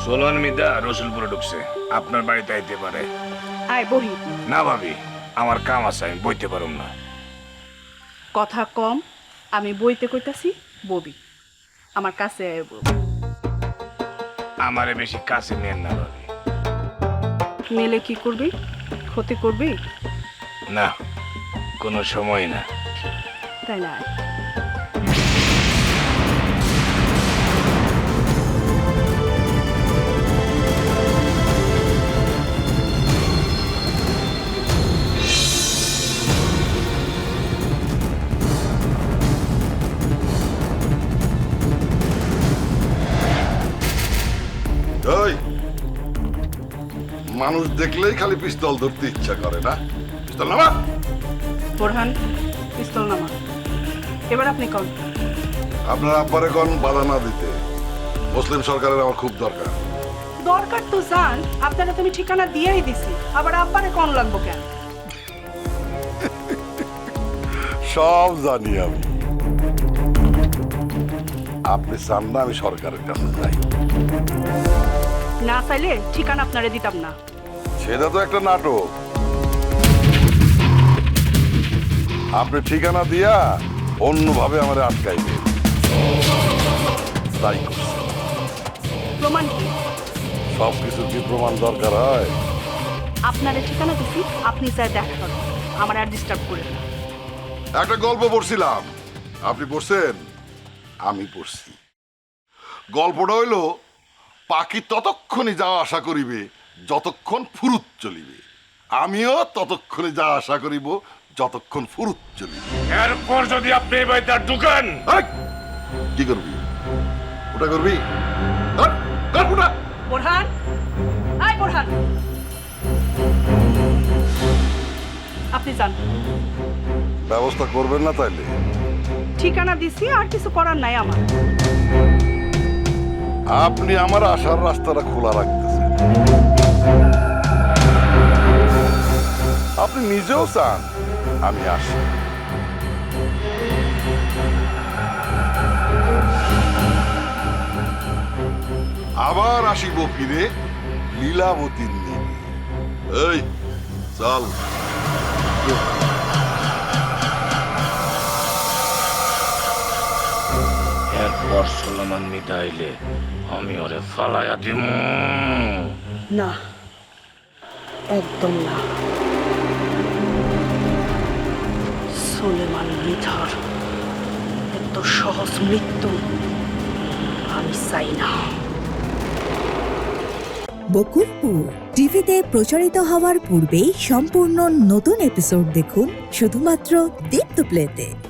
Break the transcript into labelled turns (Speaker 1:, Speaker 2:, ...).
Speaker 1: Solon মিদা রসুলপুরে ঢুকছে, আপনার বাড়িতে আইতে পারে।
Speaker 2: আয় বহি।
Speaker 1: না ভাবি, আমার কাম আছে, আমি বইতে পারুম না।
Speaker 2: কথা কম, আমি বইতে কইতাছি ববি। আমার কাছে আয় বউ।
Speaker 1: আমারে বেশি কাছে নেন না ভাবি।
Speaker 2: মেলে কি করবি? ক্ষতি করবি?
Speaker 1: না, কোনো সময় না।
Speaker 2: তাই না? আয়।
Speaker 3: ওই মানুষ দেখলেই খালি পিস্তল ধরতে ইচ্ছা করে না? পিস্তল নামা।
Speaker 2: বোরহান, পিস্তল নামা। এবার আপনি কন।
Speaker 3: আপনার আব্বারে কোন বাধা না দিতে। মুসলিম সরকারের আমার খুব দরকার।
Speaker 2: দরকার তো জান, আপনারা তুমি ঠিকানা দিয়েই দিছি, আবার আব্বারে কন লাগবো কেন?
Speaker 3: সব জানি আমি। আপনি চান না আমি সরকারের কাছে যাই?
Speaker 2: না চাইলে ঠিকানা আপনারে দিতাম না।
Speaker 3: সেটা তো একটা নাটক। আপনি ঠিকানা দিয়া অন্যভাবে আমার আটকাইবে, তাই করছি।
Speaker 2: প্রমাণ কি?
Speaker 3: সব কিছুর কি প্রমাণ দরকার হয়?
Speaker 2: আপনারে ঠিকানা দিছি, আপনি চাই দেখা করেন, আমার আর ডিস্টার্ব করেন না।
Speaker 3: একটা গল্প পড়ছিলাম, আপনি পড়ছেন? আমি পড়ছি। গল্পটা হইল, পাখি ততক্ষণে যাওয়া আশা করিবে যতক্ষণ ফুরুত চলিবে। আমিও ততক্ষণে যাওয়া আশা করিব যতক্ষণ ফুরুত চলিবে।
Speaker 1: এরপর যদি আপনি এই বাড়িতে আর ঢুকেন,
Speaker 3: এই, কি করবি? ওটা করবি? ধর, ধর ওটা।
Speaker 2: বোরহান, আয় বোরহান। আপনি যান।
Speaker 3: ব্যবস্থা করবেন না তাইলে?
Speaker 2: ঠিকানা দিছি, আর কিছু করার নাই আমার।
Speaker 3: আপনি আমার আসার রাস্তাটা খোলা রাখতেছেন। আপনি নিজেও চান আমি আসি। আবার আসিব ফিরে লীলাবতীর নিয়ে। এই চল।
Speaker 1: এরপর সোলোমন মিদা আইলে আমি ওরে ফালাইয়া দিব।
Speaker 2: না, একদম না। সুলেমান মৃধার এত সহজ মৃত্যু আমি চাই না।
Speaker 4: বকুলপুর টিভিতে প্রচারিত হওয়ার পূর্বেই সম্পূর্ণ নতুন এপিসোড দেখুন শুধুমাত্র দীপ্ত প্লেতে।